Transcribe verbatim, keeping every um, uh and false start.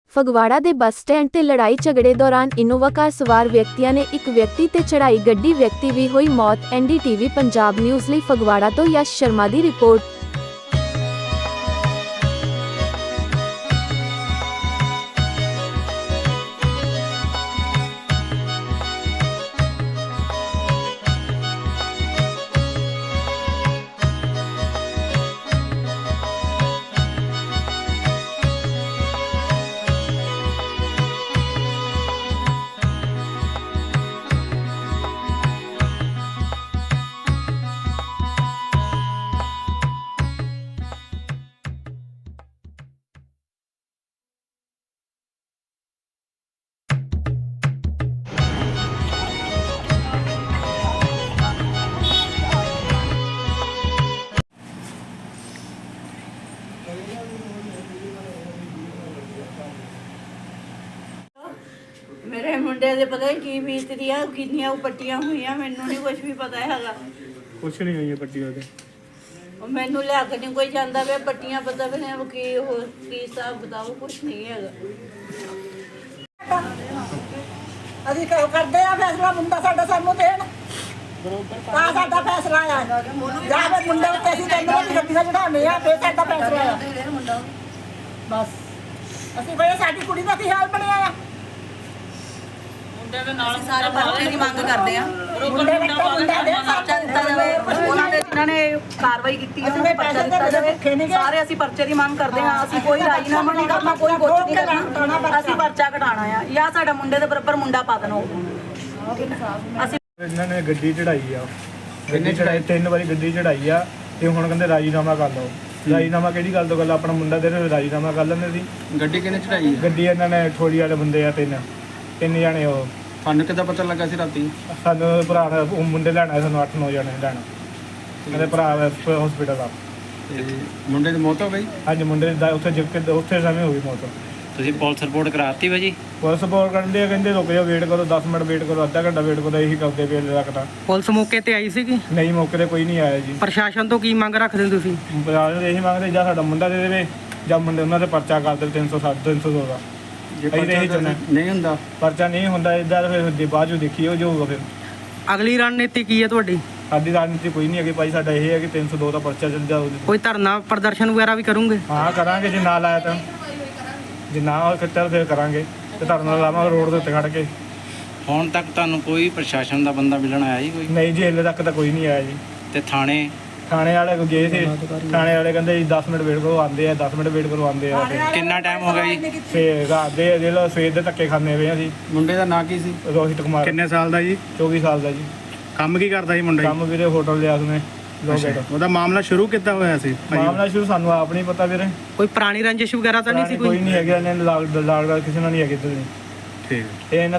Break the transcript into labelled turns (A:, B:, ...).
A: ਫਗਵਾੜਾ ਦੇ bus stand ਤੇ ਲੜਾਈ ਝਗੜੇ ਦੌਰਾਨ ਇਨੋਵਾ ਕਾਰ ਸਵਾਰ ਵਿਅਕਤੀਆਂ ਨੇ ਇੱਕ ਵਿਅਕਤੀ ਤੇ ਚੜਾਈ ਗੱਡੀ, ਵਿਅਕਤੀ ਦੀ ਹੋਈ ਮੌਤ। N D T V Punjab news ਲਈ ਫਗਵਾੜਾ ਤੋਂ ਯਸ਼ ਸ਼ਰਮਾ ਦੀ ਰਿਪੋਰਟ।
B: ਮੇਰੇ ਮੁੰਡੇ ਦੇ ਪਤਾ ਨਹੀਂ ਕੀ ਬੀਤਦੀ ਆ, ਕਿੰਨੀਆਂ ਪੱਟੀਆਂ ਹੋਈਆਂ, ਮੈਨੂੰ ਨਹੀਂ ਕੁਝ ਵੀ ਪਤਾ ਹੈਗਾ।
C: ਕੁਛ ਨਹੀਂ ਹੋਈ ਪੱਟੀਆਂ ਤੇ
B: ਉਹ ਮੈਨੂੰ ਲਿਆ ਕੇ ਨਹੀਂ ਕੋਈ ਜਾਂਦਾ ਵੇ, ਪੱਟੀਆਂ ਪਤਾ ਵੀ ਨਹੀਂ ਕੀ ਹੋ ਕੀ ਹਿਸਾਬ ਬਤਾਓ, ਕੁਝ ਨਹੀਂ ਹੈਗਾ।
D: ਅਸੀਂ ਕਿਉਂ ਕਰਦੇ ਆ ਫੈਸਲਾ? ਮੁੰਡਾ ਸਾਡਾ ਸਾਨੂੰ ਦੇਣ ਤਾਂ ਸਾਡਾ ਫੈਸਲਾ ਆ। ਜਾਂ ਫਿਰ ਮੁੰਡੇ ਉੱਤੇ ਅਸੀਂ ਤੈਨੂੰ ਵਾਲੀ ਗੱਡੀਆਂ ਚੜਾਉਣੇ ਆ, ਫੇਰ ਸਾਡਾ ਫੈਸਲਾ ਆ। ਬਸ ਅਸੀਂ ਕੋਈ ਸਾਡੀ ਕੁੜੀ ਦਾ ਕੀ ਹਾਲ ਬਣਿਆ ਆ?
E: ਸਾਰੇ ਪਰਚੇ ਦੀ ਮੰਗ ਕਰਦੇ ਆ।
D: ਮੁੰਡੇ ਦਾ ਮੁੰਡਾ ਦੇ
E: ਪਰਚਾ ਦਿੱਤਾ ਜਾਵੇ, ਉਹਨਾਂ ਦੇ ਜਿਨ੍ਹਾਂ ਨੇ ਕਾਰਵਾਈ ਕੀਤੀ ਹੈ ਉਹਨਾਂ ਪਰਚਾ ਦਿੱਤਾ ਜਾਵੇ। ਸਾਰੇ ਅਸੀਂ ਪਰਚੇ ਦੀ ਮੰਗ ਕਰਦੇ ਆ। ਅਸੀਂ ਕੋਈ ਰਾਜੀਨਾਮਾ ਨਹੀਂ ਕਰਨਾ, ਕੋਈ ਕੁਝ ਨਹੀਂ ਕਰਨਾ, ਅਸੀਂ ਪਰਚਾ ਘਟਾਉਣਾ ਆ ਜਾਂ ਸਾਡਾ ਮੁੰਡੇ ਦੇ ਬਰਾਬਰ ਮੁੰਡਾ ਪਾ ਦੇਣਾ। ਅਸੀਂ
C: ਇਹਨਾਂ ਨੇ ਗੱਡੀ ਚੜਾਈ ਆ, ਗੱਡੀ ਚੜਾਈ ਤਿੰਨ ਵਾਰੀ ਗੱਡੀ ਚੜਾਈ ਆ ਤੇ ਹੁਣ ਕਹਿੰਦੇ ਰਾਜੀਨਾਮਾ ਕਰ ਲਓ। ਰਾਜੀਨਾਮਾ ਕਿਹੜੀ ਗੱਲ ਤੋਂ ਗੱਲ? ਆਪਣਾ ਮੁੰਡਾ ਦੇ ਰਾਜੀਨਾਮਾ ਕਰ ਲੈਂਦੇ ਸੀ।
F: ਗੱਡੀ ਕਿਹਨੇ ਚੜਾਈ?
C: ਗੱਡੀ ਇਹਨਾਂ ਨੇ ਠੋੜੀ ਵਾਲੇ ਬੰਦੇ ਆ, ਤਿੰਨ ਤਿੰਨ ਜਾਣੇ। ਉਹ
F: ਤੁਹਾਨੂੰ ਕਿੱਦਾਂ ਪਤਾ ਲੱਗਾ ਸੀ ਰਾਤੀ?
C: ਸਾਨੂੰ ਭਰਾ ਨੇ ਉਹ ਮੁੰਡੇ ਲੈਣਾ, ਸਾਨੂੰ ਅੱਠ ਨੌ ਜਾਣੇ ਲੈਣਾ। ਮੇਰੇ ਭਰਾ ਹਸਪੀਟਲ ਆ।
F: ਤੇ ਮੁੰਡੇ ਦੀ ਮੌਤ ਹੋ ਗਈ?
C: ਹਾਂਜੀ, ਮੁੰਡੇ ਦਾ ਉੱਥੇ ਜਿੱਕ ਉੱਥੇ ਸਮੇਂ ਹੋ ਗਈ ਮੌਤ।
G: ਤੁਸੀਂ ਪੁਲਿਸ ਰਿਪੋਰਟ ਕਰਾਤੀ ਭਾਜੀ?
C: ਪੁਲਿਸ ਰਿਪੋਰਟ ਕਰਦੇ ਆ, ਕਹਿੰਦੇ ਰੁਕ ਜਾਓ, ਵੇਟ ਕਰੋ, ਦਸ ਮਿੰਟ ਵੇਟ ਕਰੋ, ਅੱਧਾ ਘੰਟਾ ਵੇਟ ਕਰੋ, ਇਹੀ ਕਰਦੇ ਪਏ ਹਲੇ ਤੱਕ ਤਾਂ।
H: ਪੁਲਿਸ ਮੌਕੇ ਤੇ ਆਈ ਸੀਗੀ?
C: ਨਹੀਂ, ਮੌਕੇ ਤੇ ਕੋਈ ਨਹੀਂ ਆਇਆ ਜੀ।
H: ਪ੍ਰਸ਼ਾਸਨ ਤੋਂ ਕੀ ਮੰਗ ਰੱਖਦੇ ਹੋ ਤੁਸੀਂ?
C: ਪ੍ਰਸ਼ਾਸਨ ਇਹੀ ਮੰਗਦੇ ਜਾਂ ਸਾਡਾ ਮੁੰਡਾ ਦੇ ਦੇਵੇ ਜਾਂ ਮੁੰਡੇ ਉਹਨਾਂ ਦੇ ਪਰਚਾ ਕਰ ਦੇਵੇ ਤਿੰਨ ਸੌ ਸੱਤ ਤਿੰਨ ਸੌ ਦੋ ਦਾ।
F: ਜੇ
C: ਅਸੀਂ ਤਾਂ ਇਹੀ ਚਾਹੁੰਦੇ।
F: ਨਹੀਂ ਹੁੰਦਾ
C: ਪਰਚਾ ਨਹੀਂ ਹੁੰਦਾ ਇੱਦਾਂ ਫਿਰ ਦੇ ਬਾਅਦ ਜੋ ਦੇਖੀਓ ਜੋ ਹੋਊਗਾ। ਫਿਰ
H: ਅਗਲੀ ਰਣਨੀਤੀ ਕੀ ਹੈ ਤੁਹਾਡੀ?
C: ਸਾਡੀ ਰਾਜਨੀਤੀ ਕੋਈ ਨਹੀਂ ਹੈਗੀ ਭਾਈ। ਸਾਡਾ ਇਹ ਹੈ ਕਿ ਤਿੰਨ ਸੌ ਦੋ ਦਾ ਪਰਚਾ ਚੱਲ ਜਾਊ।
H: ਕੋਈ ਧਰਨਾ ਪ੍ਰਦਰਸ਼ਨ ਵਗੈਰਾ ਵੀ ਕਰੋਗੇ?
C: ਹਾਂ ਕਰਾਂਗੇ, ਜੇ ਨਾ ਲਾਇਆ ਤਾਂ। ਜੇ ਨਾ ਕੱਟਿਆ ਫਿਰ ਕਰਾਂਗੇ ਤੇ ਧਰਨਾ ਲਾਵਾਂਗੇ ਰੋਡ ਦੇ ਉੱਤੇ ਖੜ ਕੇ।
G: ਹੁਣ ਤੱਕ ਤੁਹਾਨੂੰ ਕੋਈ ਪ੍ਰਸ਼ਾਸਨ ਦਾ ਬੰਦਾ ਮਿਲਣ ਆਇਆ ਜੀ ਕੋਈ?
C: ਨਹੀਂ ਜੀ, ਹਲੇ ਤੱਕ ਤਾਂ ਕੋਈ ਨਹੀਂ ਆਇਆ ਜੀ।
G: ਤੇ ਥਾਣੇ
C: ਥਾਣੇ ਵਾਲੇ ਕੋ ਗਏ ਸੀ, ਥਾਣੇ ਵਾਲੇ ਕਹਿੰਦੇ ਜੀ ਦਸ ਮਿੰਟ ਵੇਟ ਕਰੋ, ਆਉਂਦੇ ਆ। ਦਸ ਮਿੰਟ ਵੇਟ ਕਰੋ, ਆਉਂਦੇ ਆ।
G: ਕਿੰਨਾ ਟਾਈਮ ਹੋ ਗਿਆ ਜੀ?
C: ਫੇਰ ਰਾਤ ਦੇ ਦੇ ਲੋ ਸਵੇਰ ਦੇ ਧੱਕੇ ਖਾਂਦੇ ਪਏ ਅਸੀਂ।
F: ਮੁੰਡੇ ਦਾ ਨਾਂ ਕੀ ਸੀ?
C: ਰੋਹਿਤ ਕੁਮਾਰ।
F: ਕਿੰਨੇ ਸਾਲ ਦਾ ਜੀ?
C: ਚੌਵੀ ਸਾਲ ਦਾ ਜੀ।
F: ਕੰਮ ਕੀ ਕਰਦਾ ਸੀ ਮੁੰਡਾ?
C: ਕੰਮ ਵੀਰੇ ਹੋਟਲ ਲਿਆ ਉਸਨੇ ਲੋਕੇਟ।
F: ਉਹਦਾ ਮਾਮਲਾ ਸ਼ੁਰੂ ਕਿੱਦਾਂ ਹੋਇਆ ਸੀ?
C: ਮਾਮਲਾ ਸ਼ੁਰੂ ਸਾਨੂੰ ਆਪ ਨਹੀਂ ਪਤਾ ਵੀਰੇ।
H: ਕੋਈ ਪੁਰਾਣੀ ਰੰਜਿਸ਼ ਵਗੈਰਾ ਤਾਂ ਨਹੀਂ ਸੀ?
C: ਕੋਈ ਨਹੀਂ ਹੈਗਾ, ਇਹਨੇ ਲਾਗ ਲਾਗ ਕਿਸੇ ਨਾਲ ਨਹੀਂ ਹੈਗੇ ਇੱਧਰ।
F: ਠੀਕ
C: ਇਹ ਇਹਨਾਂ